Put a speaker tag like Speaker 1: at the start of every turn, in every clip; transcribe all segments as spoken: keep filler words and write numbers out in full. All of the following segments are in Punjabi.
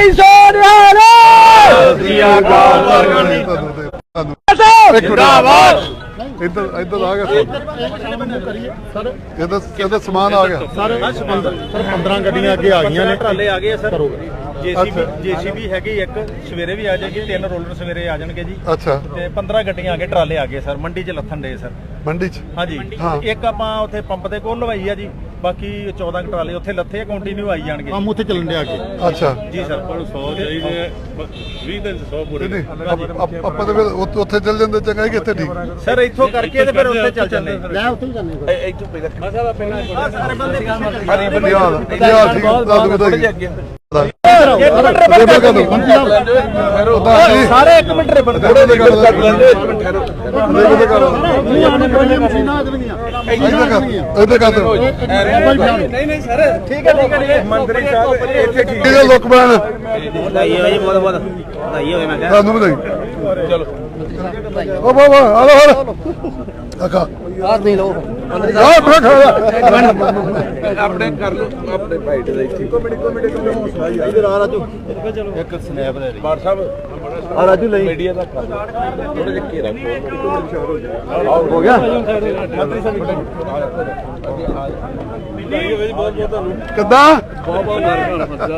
Speaker 1: ਭਾਈ ਸੋਨਿਆਲ
Speaker 2: ਜਿੰਦਾਬਾਦ। ਇੱਧਰ ਇੱਧਰ ਆ ਗਿਆ ਸਰ, ਇਹਦਾ ਇਹਦਾ ਸਮਾਨ ਆ ਗਿਆ
Speaker 3: ਸਰ। ਪੰਦਰਾਂ ਗੱਡੀਆਂ ਅੱਗੇ ਆ ਗਈਆਂ ਨੇ,
Speaker 4: ਟਰਾਲੇ ਆ ਗਏ ਸਰ। ਜੇਸੀਬੀ ਜੇਸੀਬੀ ਹੈਗੀ ਇੱਕ, ਸਵੇਰੇ ਵੀ ਆ ਜਾਏਗੀ, ਤਿੰਨ ਰੋਲਰ ਸਵੇਰੇ ਆ ਜਾਣਗੇ ਜੀ।
Speaker 2: ਅੱਛਾ,
Speaker 4: ਤੇ ਪੰਦਰਾਂ ਗੱਡੀਆਂ ਆ ਗਏ, ਟਰਾਲੇ ਆ ਗਏ ਸਰ। ਮੰਡੀ 'ਚ ਲੱਥਣ ਦੇ ਸਰ,
Speaker 2: ਮੰਡੀ 'ਚ।
Speaker 4: ਹਾਂਜੀ। ਇੱਕ ਆਪਾਂ ਉੱਥੇ ਪੰਪ ਦੇ ਕੋਲ ਲਵਾਈ ਆ ਜੀ, ਬਾਕੀ ਚੌਦਾਂ ਟਰਾਲੇ ਉੱਥੇ ਲੱਥੇ ਆ, ਕੰਟੀਨਿਊ ਆਈ ਜਾਣਗੇ।
Speaker 3: ਕੰਮ ਉੱਥੇ ਚੱਲਣ ਦੇ ਅੱਗੇ।
Speaker 2: ਅੱਛਾ
Speaker 4: ਜੀ ਸਰ।
Speaker 3: ਸੌ ਚਾਹੀਦੇ ਵੀਹ ਦਿਨ ਸੌ ਪੂਰੇ।
Speaker 2: ਨਹੀਂ ਆਪਾਂ ਤਾਂ ਫਿਰ ਉੱਥੇ ਉੱਥੇ ਚੱਲ ਜਾਂਦੇ, ਚੰਗਾ ਹੀ ਕਿੱਥੇ ਠੀਕ
Speaker 4: ਸਰ। ਇੱਥੋਂ ਕਰਕੇ ਤੇ ਫਿਰ ਉੱਥੇ ਚੱਲ ਜਾਂਦੇ।
Speaker 3: ਮੈਂ ਉੱਥੇ ਹੀ ਜਾਂਦੇ
Speaker 4: ਇੱਥੋਂ ਪਹਿਲਾਂ
Speaker 2: ਹਰੀ ਬੰਦਿਆਲ ਬੰਦਿਆਲ ਠੀਕ ਤੁਹਾਨੂੰ ਵਧਾਈ
Speaker 4: ਸਾਰੇ ਇੱਕ ਮਿੰਟ ਰੇਬਨ ਥੋੜੇ ਦੇ ਗੱਲ ਕਰ ਲੈਂਦੇ। ਇੱਕ ਮਿੰਟ ਠਹਿਰੋ।
Speaker 2: ਨਹੀਂ
Speaker 4: ਨਹੀਂ ਸਰ, ਠੀਕ ਹੈ ਠੀਕ ਹੈ। ਮੰਤਰੀ ਸਾਹਿਬ ਇੱਥੇ ਠੀਕ
Speaker 2: ਹੈ। ਲੋਕ ਬਣ
Speaker 4: ਵਧਾਈ ਹੋਵੇ ਜੀ, ਬਹੁਤ ਬਹੁਤ ਵਧਾਈ ਹੋਵੇ। ਮੈਂ
Speaker 2: ਤੁਹਾਨੂੰ ਵਧਾਈ।
Speaker 4: ਚਲੋ
Speaker 2: ਓ ਬਾਬਾ ਆ ਲੋ ਹਲ ਆਖਾ
Speaker 1: ਆਹ ਦੇ ਲੋ
Speaker 2: ਆ ਬੜਾ ਖਾ
Speaker 4: ਆਪਣੇ ਕਰ ਲਓ ਆਪਣੇ ਭਾਈਟ ਦਾ ਇੱਥੇ। ਕਮੇਟੀ ਕਮੇਟੀ ਇਧਰ ਆ ਰਾਜੂ, ਇੱਕ ਸਨੈਪ ਦੇ ਬਾਰ ਸਾਹਿਬ ਆ ਰਾਜੂ ਲਈ ਮੀਡੀਆ ਦਾ ਕਰ ਥੋੜੇ ਜਿਹਾ ਘੇਰਾ ਖੋਲ ਹੋ ਗਿਆ। ਮੰਤਰੀ ਸਾਹਿਬ ਵਧਾਈ ਹੋਵੇ ਜੀ, ਬਹੁਤ ਬਹੁਤ ਤੁਹਾਨੂੰ।
Speaker 2: ਕਿੱਦਾਂ
Speaker 4: ਬਹੁਤ ਬਹੁਤ ਧੰਨਵਾਦ।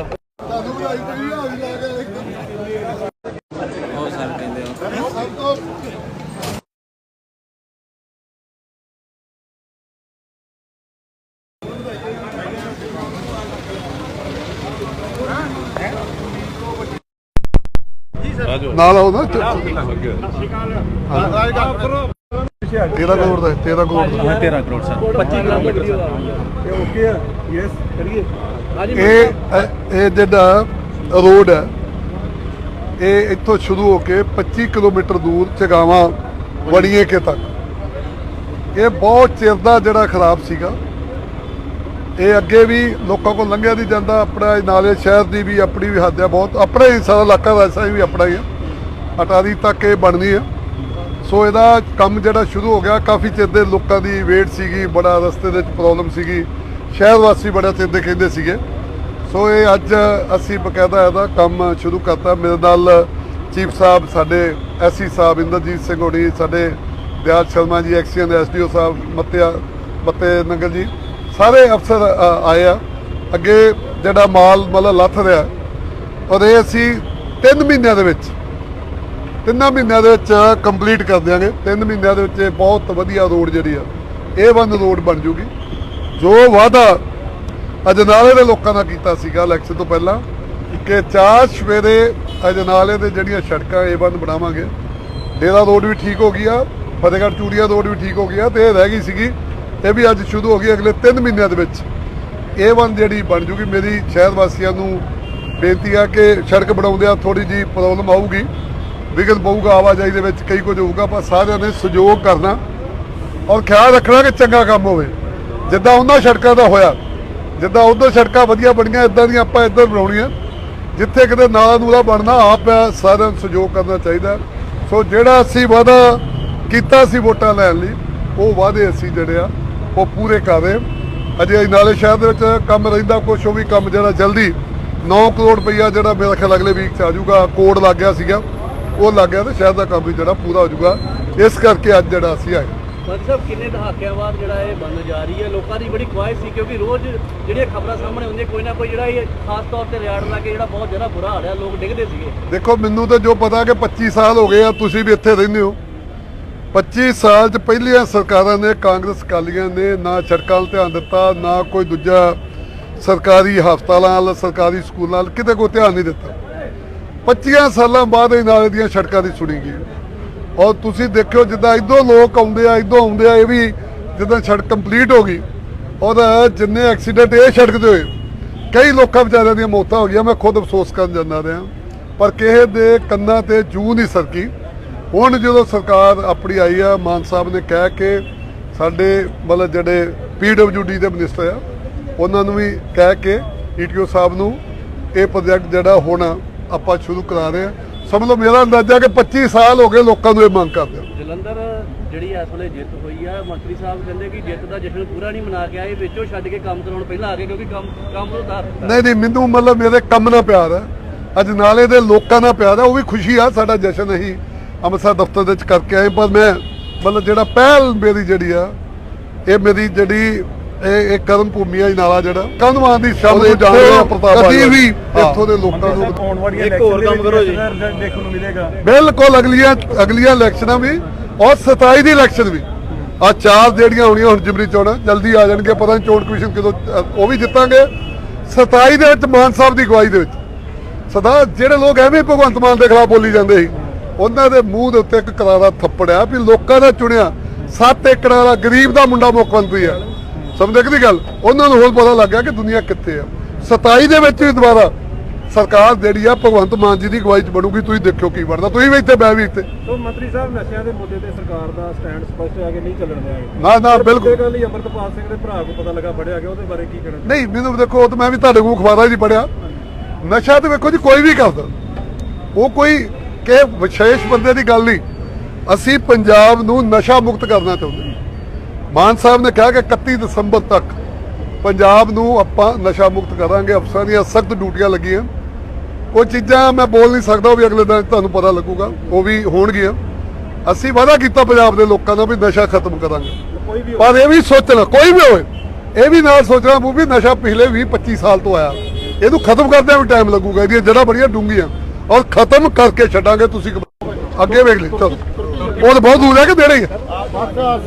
Speaker 1: ਬਹੁਤ ਸਾਰੇ ਕਹਿੰਦੇ ਹੋ
Speaker 2: ਨਾਲ ਆਓ ਨਾ। ਤੇਰਾਂ ਕਰੋੜ ਦਾ ਤੇਰਾਂ ਕਰੋੜ ਦਾ
Speaker 4: ਤੇਰਾਂ ਕਰੋੜ ਸਰ। ਪੱਚੀ ਕਿਲੋਮੀਟਰ
Speaker 3: ਓਕੇ ਯੈਸ ਕਰੀਏ।
Speaker 2: ਇਹ ਇਹ ਜਿਹੜਾ ਰੋਡ ਹੈ ਇਹ ਇੱਥੋਂ ਸ਼ੁਰੂ ਹੋ ਕੇ ਪੱਚੀ ਕਿਲੋਮੀਟਰ ਦੂਰ ਚਗਾਵਾਂ ਵੜੀਏ ਕੇ ਤੱਕ ਇਹ ਬਹੁਤ ਚਿਰ ਦਾ ਜਿਹੜਾ ਖਰਾਬ ਸੀਗਾ। ਇਹ ਅੱਗੇ ਵੀ ਲੋਕਾਂ ਕੋਲ ਲੰਘਿਆ ਨਹੀਂ ਜਾਂਦਾ। ਆਪਣਾ ਨਾਲੇ ਸ਼ਹਿਰ ਦੀ ਵੀ ਆਪਣੀ ਵੀ ਹੱਦ ਹੈ ਬਹੁਤ। ਆਪਣਾ ਹੀ ਸਾਰਾ ਇਲਾਕਾ ਵੈਸਾ ਵੀ ਆਪਣਾ ਹੀ ਹੈ। ਅਟਾਰੀ ਤੱਕ ਇਹ ਬਣਨੀ ਹੈ। ਸੋ ਇਹਦਾ ਕੰਮ ਜਿਹੜਾ ਸ਼ੁਰੂ ਹੋ ਗਿਆ, ਕਾਫੀ ਚਿਰ ਦੇ ਲੋਕਾਂ ਦੀ ਵੇਟ ਸੀਗੀ, ਬੜਾ ਰਸਤੇ ਦੇ ਵਿੱਚ ਪ੍ਰੋਬਲਮ ਸੀਗੀ, ਸ਼ਹਿਰ ਵਾਸੀ ਬੜਾ ਚਿਰ ਦੇ ਕਹਿੰਦੇ ਸੀਗੇ। ਸੋ ਇਹ ਅੱਜ ਅਸੀਂ ਬਕਾਇਦਾ ਇਹਦਾ ਕੰਮ ਸ਼ੁਰੂ ਕਰਤਾ। ਮੇਰੇ ਨਾਲ ਚੀਫ ਸਾਹਿਬ ਸਾਡੇ ਐਸਸੀ ਸਾਹਿਬ ਇੰਦਰਜੀਤ ਸਿੰਘ ਹੋਣੀ, ਸਾਡੇ ਦਿਆਲ ਸ਼ਰਮਾ ਜੀ ਐਕਸੀਅਨ ਦੇ ਐਸਡੀਓ ਸਾਹਿਬ ਮੱਤਿਆ ਮੱਤੇ ਨੰਗਲ ਜੀ, ਸਾਰੇ ਅਫਸਰ ਆਏ ਆ। ਅੱਗੇ ਜਿਹੜਾ ਮਾਲ ਮਤਲਬ ਲੱਥ ਰਿਹਾ ਔਰ ਇਹ ਅਸੀਂ ਤਿੰਨ ਮਹੀਨਿਆਂ ਦੇ ਵਿੱਚ ਤਿੰਨਾਂ ਮਹੀਨਿਆਂ ਦੇ ਵਿੱਚ ਕੰਪਲੀਟ ਕਰ ਦਿਆਂਗੇ। ਤਿੰਨ ਮਹੀਨਿਆਂ ਦੇ ਵਿੱਚ ਬਹੁਤ ਵਧੀਆ ਰੋਡ ਜਿਹੜੀ ਆ ਇਹ ਵਨ ਰੋਡ ਬਣ ਜੂਗੀ। ਜੋ ਵਾਅਦਾ ਅਜਨਾਲੇ ਦੇ ਲੋਕਾਂ ਨਾਲ ਕੀਤਾ ਸੀਗਾ ਇਲੈਕਸ਼ਨ ਤੋਂ ਪਹਿਲਾਂ ਕਿ ਚਾਰ ਸਵੇਰੇ ਅਜਨਾਲੇ ਦੇ ਜਿਹੜੀਆਂ ਸੜਕਾਂ ਏ ਵਨ ਬਣਾਵਾਂਗੇ। ਡੇਰਾ ਰੋਡ ਵੀ ਠੀਕ ਹੋ ਗਈ ਆ, ਫਤਿਹਗੜ੍ਹ ਚੂੜੀਆਂ ਰੋਡ ਵੀ ਠੀਕ ਹੋ ਗਈ ਆ, ਤੇ ਇਹ ਰਹਿ ਗਈ ਸੀਗੀ, ਇਹ ਵੀ ਅੱਜ ਸ਼ੁਰੂ ਹੋ ਗਈ। ਅਗਲੇ ਤਿੰਨ ਮਹੀਨਿਆਂ ਦੇ ਵਿੱਚ ਏ ਵਨ ਜਿਹੜੀ ਬਣ ਜੂਗੀ। ਮੇਰੀ ਸ਼ਹਿਰ ਵਾਸੀਆਂ ਨੂੰ ਬੇਨਤੀ ਆ ਕਿ ਸੜਕ ਬਣਾਉਂਦਿਆਂ ਥੋੜ੍ਹੀ ਜਿਹੀ ਪ੍ਰੋਬਲਮ ਆਊਗੀ, ਵਿਘਨ ਪਊਗਾ, ਆਵਾਜਾਈ ਦੇ ਵਿੱਚ ਕਈ ਕੁਝ ਹੋਊਗਾ, ਪਰ ਸਾਰਿਆਂ ਨੇ ਸਹਿਯੋਗ ਕਰਨਾ ਔਰ ਖਿਆਲ ਰੱਖਣਾ ਕਿ ਚੰਗਾ ਕੰਮ ਹੋਵੇ। ਜਿੱਦਾਂ ਉਹਨਾਂ ਸੜਕਾਂ ਦਾ ਹੋਇਆ, ਜਿੱਦਾਂ ਉੱਧਰ ਸੜਕਾਂ ਵਧੀਆ ਬਣੀਆਂ, ਇੱਦਾਂ ਦੀਆਂ ਆਪਾਂ ਇੱਧਰ ਬਣਾਉਣੀਆਂ। ਜਿੱਥੇ ਕਿਤੇ ਨਾਲਾ ਨੂਲਾ ਬਣਨਾ, ਆਪ ਸਾਰਿਆਂ ਨੂੰ ਸਹਿਯੋਗ ਕਰਨਾ ਚਾਹੀਦਾ। ਸੋ ਜਿਹੜਾ ਅਸੀਂ ਵਾਅਦਾ ਕੀਤਾ ਸੀ ਵੋਟਾਂ ਲੈਣ ਲਈ, ਉਹ ਵਾਅਦੇ ਅਸੀਂ ਜਿਹੜੇ ਆ ਉਹ ਪੂਰੇ ਕਰ ਰਹੇ। ਅਜੇ ਨਾਲੇ ਸ਼ਹਿਰ ਦੇ ਵਿੱਚ ਕੰਮ ਰਹਿੰਦਾ ਕੁਛ, ਉਹ ਵੀ ਕੰਮ ਜਿਹੜਾ ਜਲਦੀ ਨੌ ਕਰੋੜ ਰੁਪਈਆ ਜਿਹੜਾ ਮੇਰਾ ਖਿਆਲ ਅਗਲੇ ਵੀਕ 'ਚ ਆ ਜਾਊਗਾ। ਕੋਡ ਲੱਗ ਗਿਆ ਸੀਗਾ, ਉਹ ਲੱਗ ਗਿਆ, ਤੇ ਸ਼ਹਿਰ ਦਾ ਕੰਮ ਵੀ ਜਿਹੜਾ ਪੂਰਾ ਹੋ ਜਾਊਗਾ। ਇਸ ਕਰਕੇ ਅੱਜ ਜਿਹੜਾ ਅਸੀਂ ਆਏ।
Speaker 5: ਮੰਤਰੀ ਸਾਹਿਬ, ਕਿੰਨੇ ਦਹਾਕਿਆਂ ਬਾਅਦ ਜਿਹੜਾ ਇਹ ਬੰਦ ਜਾ ਰਹੀ ਹੈ? ਲੋਕਾਂ ਦੀ ਬੜੀ ਖੁਆਇਸ਼ ਸੀ, ਕਿਉਂਕਿ ਰੋਜ਼ ਜਿਹੜੀਆਂ ਖਬਰਾਂ ਸਾਹਮਣੇ ਹੁੰਦੀਆਂ ਕੋਈ ਨਾ ਕੋਈ ਜਿਹੜਾ ਇਹ ਖਾਸ ਤੌਰ ਤੇ ਰਿਆੜ ਲਾ ਕੇ ਜਿਹੜਾ ਬਹੁਤ ਜ਼ਿਆਦਾ ਬੁਰਾ ਹਾਲ ਹੈ, ਲੋਕ ਡਿੱਗਦੇ ਸੀਗੇ।
Speaker 2: ਦੇਖੋ, ਮੈਨੂੰ ਤਾਂ ਜੋ ਪਤਾ ਕਿ ਪੱਚੀ ਸਾਲ ਹੋ ਗਏ ਆ, ਤੁਸੀਂ ਵੀ ਇੱਥੇ ਰਹਿੰਦੇ ਹੋ। ਪੱਚੀ ਸਾਲ 'ਚ ਪਹਿਲੀਆਂ ਸਰਕਾਰਾਂ ਨੇ, ਕਾਂਗਰਸ ਅਕਾਲੀਆਂ ਨੇ ਨਾ ਸੜਕਾਂ 'ਤੇ ਧਿਆਨ ਦਿੱਤਾ, ਨਾ ਕੋਈ ਦੂਜਾ ਸਰਕਾਰੀ ਹਸਪਤਾਲਾਂ ਵੱਲ, ਸਰਕਾਰੀ ਸਕੂਲਾਂ ਵੱਲ ਕਿਤੇ ਕੋਈ ਧਿਆਨ ਨਹੀਂ ਦਿੱਤਾ। ਪੱਚੀਆਂ ਸਾਲਾਂ ਬਾਅਦ ਇਹ ਨਾਲੇ ਦੀਆਂ ਸੜਕਾਂ ਦੀ ਸੁਣੀ ਗਈ। ਔਰ ਤੁਸੀਂ ਦੇਖਿਓ ਜਿੱਦਾਂ ਇੱਧਰੋਂ ਲੋਕ ਆਉਂਦੇ ਆ, ਇੱਧਰੋਂ ਆਉਂਦੇ ਆ, ਇਹ ਵੀ ਜਿੱਦਾਂ ਸੜਕ ਕੰਪਲੀਟ ਹੋ ਗਈ ਔਰ ਜਿੰਨੇ ਐਕਸੀਡੈਂਟ ਇਹ ਸੜਕ 'ਤੇ ਹੋਏ, ਕਈ ਲੋਕਾਂ ਵਿਚਾਰਿਆਂ ਦੀਆਂ ਮੌਤਾਂ ਹੋ ਗਈਆਂ। ਮੈਂ ਖੁਦ ਅਫਸੋਸ ਕਰਨ ਜਾਂਦਾ ਰਿਹਾ, ਪਰ ਕਿਸੇ ਦੇ ਕੰਨਾਂ 'ਤੇ ਜੂੰ ਨਹੀਂ ਸਰਕੀ। ਹੁਣ ਜਦੋਂ ਸਰਕਾਰ ਆਪਣੀ ਆਈ ਆ, ਮਾਨ ਸਾਹਿਬ ਨੇ ਕਹਿ ਕੇ ਸਾਡੇ ਮਤਲਬ ਜਿਹੜੇ ਪੀ ਡਬਲਿਊ ਡੀ ਦੇ ਮਿਨਿਸਟਰ ਆ, ਉਹਨਾਂ ਨੂੰ ਵੀ ਕਹਿ ਕੇ ਈ ਟੀ ਓ ਸਾਹਿਬ ਨੂੰ ਇਹ ਪ੍ਰੋਜੈਕਟ ਜਿਹੜਾ ਹੁਣ ਆਪਾਂ ਸ਼ੁਰੂ ਕਰਾ ਰਹੇ ਹਾਂ। ਸਮਝ ਲਓ ਮੇਰਾ ਅੰਦਾਜ਼ਾ ਕਿ ਪੱਚੀ ਸਾਲ ਹੋ ਗਏ ਲੋਕਾਂ ਨੂੰ ਇਹ ਮੰਗ ਕਰਦੇ।
Speaker 5: ਜਲੰਧਰ ਜਿਹੜੀ ਇਸ ਵੇਲੇ ਜਿੱਤ ਹੋਈ ਆ, ਮੰਤਰੀ ਸਾਹਿਬ ਕਹਿੰਦੇ ਕਿ ਜਿੱਤ ਦਾ ਜਸ਼ਨ ਪੂਰਾ ਨਹੀਂ ਮਨਾ ਕੇ ਆਏ, ਵਿੱਚੋਂ ਛੱਡ ਕੇ ਕੰਮ ਕਰਾਉਣ ਪਹਿਲਾਂ ਆ ਗਏ, ਕਿਉਂਕਿ ਕੰਮ ਕੰਮ ਤੋਂ ਉਤਾਰ ਦਿੱਤਾ।
Speaker 2: ਨਹੀਂ ਨਹੀਂ, ਮੈਨੂੰ ਮਤਲਬ ਮੇਰੇ ਕੰਮ ਨਾਲ ਪਿਆਰ ਹੈ। ਅਜਨਾਲੇ ਦੇ ਲੋਕਾਂ ਨਾਲ ਪਿਆਰ ਆ, ਉਹ ਵੀ ਖੁਸ਼ੀ ਆ। ਸਾਡਾ ਜਸ਼ਨ ਅਸੀਂ ਅੰਮ੍ਰਿਤਸਰ ਦਫ਼ਤਰ ਦੇ ਵਿੱਚ ਕਰਕੇ ਆਏ, ਪਰ ਮੈਂ ਮਤਲਬ ਜਿਹੜਾ ਪਹਿਲ ਮੇਰੀ ਜਿਹੜੀ ਆ, ਇਹ ਮੇਰੀ ਜਿਹੜੀ ਇਹ ਇਹ ਕਰਮ ਭੂਮੀ ਆ ਅਜਨਾਲਾ, ਜਿਹੜਾ ਕੰਧਵਾਨ ਦੀ ਸ਼ਬਦ ਨੂੰ ਜਾਣਦੇ ਆ ਪ੍ਰਤਾਪ ਕਦੀ ਵੀ ਇੱਥੋਂ ਦੇ ਲੋਕਾਂ ਨੂੰ
Speaker 3: ਆਉਣ ਵਾਲੀਆਂ
Speaker 5: ਇੱਕ ਹੋਰ ਕੰਮ ਕਰੋ ਜੀ।
Speaker 3: ਰਿਜ਼ਲਟ ਦੇਖਣ ਨੂੰ ਮਿਲੇਗਾ।
Speaker 2: ਬਿਲਕੁਲ ਅਗਲੀਆਂ ਅਗਲੀਆਂ ਇਲੈਕਸ਼ਨਾਂ ਵੀ ਔਰ ਸਤਾਈ ਦੀ ਇਲੈਕਸ਼ਨ ਵੀ, ਆ ਚਾਰ ਜਿਹੜੀਆਂ ਹੋਣੀਆਂ ਹੁਣ ਜਿਮਨੀ ਚੋਣਾਂ ਜਲਦੀ ਆ ਜਾਣਗੇ, ਪਤਾ ਨਹੀਂ ਚੋਣ ਕਮਿਸ਼ਨ ਕਦੋਂ ਅ, ਉਹ ਵੀ ਜਿੱਤਾਂਗੇ। ਸਤਾਈ ਦੇ ਵਿੱਚ ਮਾਨ ਸਾਹਿਬ ਦੀ ਅਗਵਾਈ ਦੇ ਵਿੱਚ ਸਦਾ ਜਿਹੜੇ ਲੋਕ ਐਵੇਂ ਭਗਵੰਤ ਮਾਨ ਦੇ ਖਿਲਾਫ ਬੋਲੀ ਜਾਂਦੇ ਸੀ, ਉਹਨਾਂ ਦੇ ਮੂੰਹ ਦੇ ਉੱਤੇ ਇੱਕ ਕਰਾਰਾ ਥੱਪੜਿਆ ਵੀ ਲੋਕਾਂ ਦਾ ਚੁਣਿਆ ਸੱਤ ਏਕੜ ਵਾਲਾ ਗਰੀਬ ਦਾ ਮੁੰਡਾ ਮੁੱਖ ਮੰਤਰੀ ਆ। ਸਮਝਦੇ ਕਿ ਗੱਲ, ਉਹਨਾਂ ਨੂੰ ਹੋਰ ਪਤਾ ਲੱਗ ਗਿਆ ਕਿ ਦੁਨੀਆ ਕਿੱਥੇ ਆ। ਸਤਾਈ ਦੇ ਵਿੱਚ ਵੀ ਦੁਬਾਰਾ ਸਰਕਾਰ ਜਿਹੜੀ ਆ ਭਗਵੰਤ ਮਾਨ ਜੀ ਦੀ ਅਗਵਾਈ 'ਚ ਬਣੂਗੀ। ਤੁਸੀਂ ਦੇਖਿਓ ਕੀ ਬਣਦਾ, ਤੁਸੀਂ ਵੀ ਇੱਥੇ ਬੈ ਵੀ ਇੱਥੇ।
Speaker 3: ਸੋ ਮੰਤਰੀ ਸਾਹਿਬ ਨਸ਼ਿਆਂ ਦੇ ਮੁੱਦੇ ਤੇ ਸਰਕਾਰ ਦਾ ਸਟੈਂਡ ਸਪਸ਼ਟ ਹੈ ਕਿ ਨਹੀਂ ਚੱਲਣ ਦੇਣਗੇ।
Speaker 2: ਨਾ ਨਾ ਬਿਲਕੁਲ
Speaker 3: ਗੱਲ ਹੀ ਅਮਰਤਪਾਲ ਸਿੰਘ ਦੇ ਭਰਾ ਨੂੰ ਪਤਾ ਲੱਗਾ ਫੜਿਆ ਗਿਆ, ਉਹਦੇ ਬਾਰੇ ਕੀ ਕਹਿਣਾ?
Speaker 2: ਨਹੀਂ, ਮੈਨੂੰ ਦੇਖੋ ਉਹ ਤਾਂ ਮੈਂ ਵੀ ਤੁਹਾਡੇ ਕੋਲ ਅਖਬਾਰਾਂ 'ਚ ਪੜਿਆ। ਨਸ਼ਾ ਤੇ ਵੇਖੋ ਜੀ ਕੋਈ ਵੀ ਕਰਦਾ, ਉਹ ਕੋਈ ਕਿ ਵਿਸ਼ੇਸ਼ ਬੰਦੇ ਦੀ ਗੱਲ ਨਹੀਂ। ਅਸੀਂ ਪੰਜਾਬ ਨੂੰ ਨਸ਼ਾ ਮੁਕਤ ਕਰਨਾ ਚਾਹੁੰਦੇ। ਮਾਨ ਸਾਹਿਬ ਨੇ ਕਿਹਾ ਕਿ ਇਕੱਤੀ ਦਸੰਬਰ ਤੱਕ ਪੰਜਾਬ ਨੂੰ ਆਪਾਂ ਨਸ਼ਾ ਮੁਕਤ ਕਰਾਂਗੇ। ਅਫਸਰਾਂ ਦੀਆਂ ਸਖਤ ਡਿਊਟੀਆਂ ਲੱਗੀਆਂ। ਕੁਝ ਚੀਜ਼ਾਂ ਮੈਂ ਬੋਲ ਨਹੀਂ ਸਕਦਾ, ਉਹ ਵੀ ਅਗਲੇ ਦਿਨ ਤੁਹਾਨੂੰ ਪਤਾ ਲੱਗੂਗਾ, ਉਹ ਵੀ ਹੋਣਗੀਆਂ। ਅਸੀਂ ਵਾਅਦਾ ਕੀਤਾ ਪੰਜਾਬ ਦੇ ਲੋਕਾਂ ਨਾਲ ਵੀ ਨਸ਼ਾ ਖਤਮ ਕਰਾਂਗੇ, ਪਰ ਇਹ ਵੀ ਸੋਚਣਾ ਕੋਈ ਵੀ ਹੋਵੇ, ਇਹ ਵੀ ਨਾਲ ਸੋਚਣਾ ਪਊ ਵੀ ਨਸ਼ਾ ਪਿਛਲੇ ਵੀਹ ਪੱਚੀ ਸਾਲ ਤੋਂ ਆਇਆ, ਇਹਨੂੰ ਖਤਮ ਕਰਦਿਆਂ ਵੀ ਟਾਈਮ ਲੱਗੂਗਾ। ਇਹਦੀਆਂ ਜੜ੍ਹਾਂ ਬੜੀਆਂ ਡੂੰਘੀਆਂ, ਔਰ ਖਤਮ ਕਰਕੇ ਛੱਡਾਂਗੇ। ਤੁਸੀਂ ਅੱਗੇ ਵੇਖ ਲਈ, ਚਲੋ ਉਹ ਤਾਂ ਬਹੁਤ ਦੂਰ ਹੈ ਕਿ ਨੇੜੇ ਹੀ ਹੈ।